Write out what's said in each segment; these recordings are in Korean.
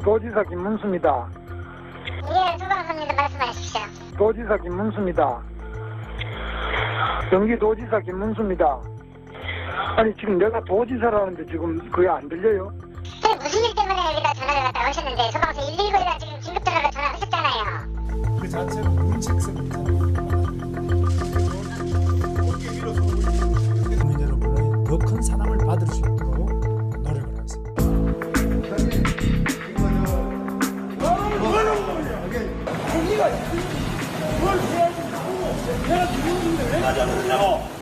도지사 김문수입니다. 예, 소방서입니다. 말씀하십시오. 도지사 김문수입니다. 경기도지사 김문수입니다. 아니 지금 내가 도지사라는데 지금 그게 안 들려요? 네, 무슨 일 때문에 여기다 전화를 갖다 하셨는데 소방서 119에다 지금 긴급 전화로 전화하셨잖아요. 그 자체가 문책성이 국민 여러분의 더 큰 사랑을 받을 수 있도록 노력을 하겠습니다. 거기가 뭘 해야지 나오고 내가 누구인데 왜 가져가느냐고.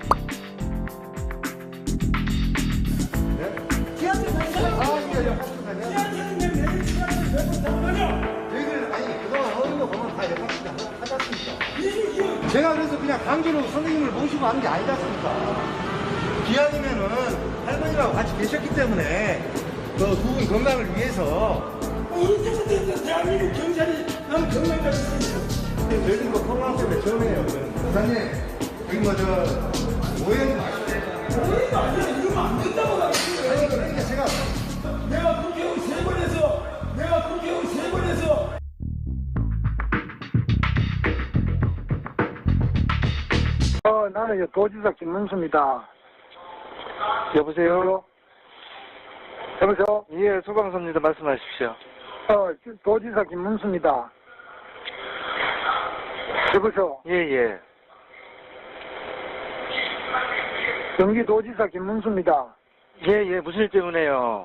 제가 그래서 그냥 강제로 선생님을 모시고 하는 게 아니지 않습니까? 기왕이면은 할머니하고 같이 계셨기 때문에 그 두 분 건강을 위해서 언제부터 대한민국 경찰이 난 건강까지 있습니다. 저희는 뭐 코로나 때문에 처음이에요. 부장님, 여기 뭐저 오해하지 마시고. 오해가 아니라 이러면 안 된다고 나 아니 그러니까 제가 내가 국회의원 3번 해서 내가 국회의원 3번 해서 나는 도지사 김문수입니다. 여보세요? 여보세요? 예, 소방서입니다. 말씀하십시오. 도지사 김문수입니다. 여보세요? 예, 예. 경기도지사 김문수입니다. 예, 예. 무슨 일 때문에요?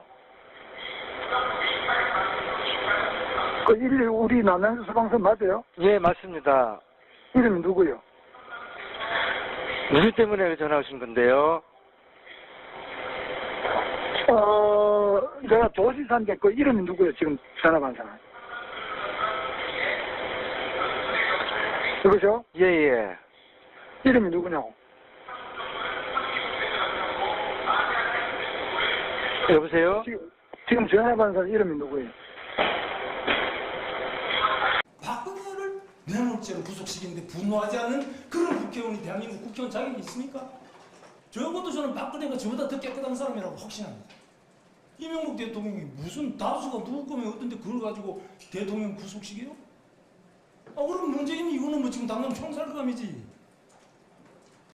우리 남양주 소방서 맞아요? 예, 맞습니다. 이름이 누구요? 무슨 일 때문에 전화 오신 건데요? 내가 도지사인데 그 이름이 누구요? 지금 전화 받은 사람. 여보세요? 예, 예. 이름이 누구냐고? 여보세요? 지금 전화 받은 사람 이름이 누구예요? 박근혜를 뇌물죄로 구속시키는데 분노하지 않는 그런 국회의원이 대한민국 국회의원 자격이 있습니까? 적어도 저는 박근혜가 저보다 더 깨끗한 사람이라고 확신합니다. 이명박 대통령이 무슨 다수가 누구 거면 어떤데 그걸 가지고 대통령 구속시켜요? 그럼 문재인 이거는 뭐 지금 당장 총살감이지.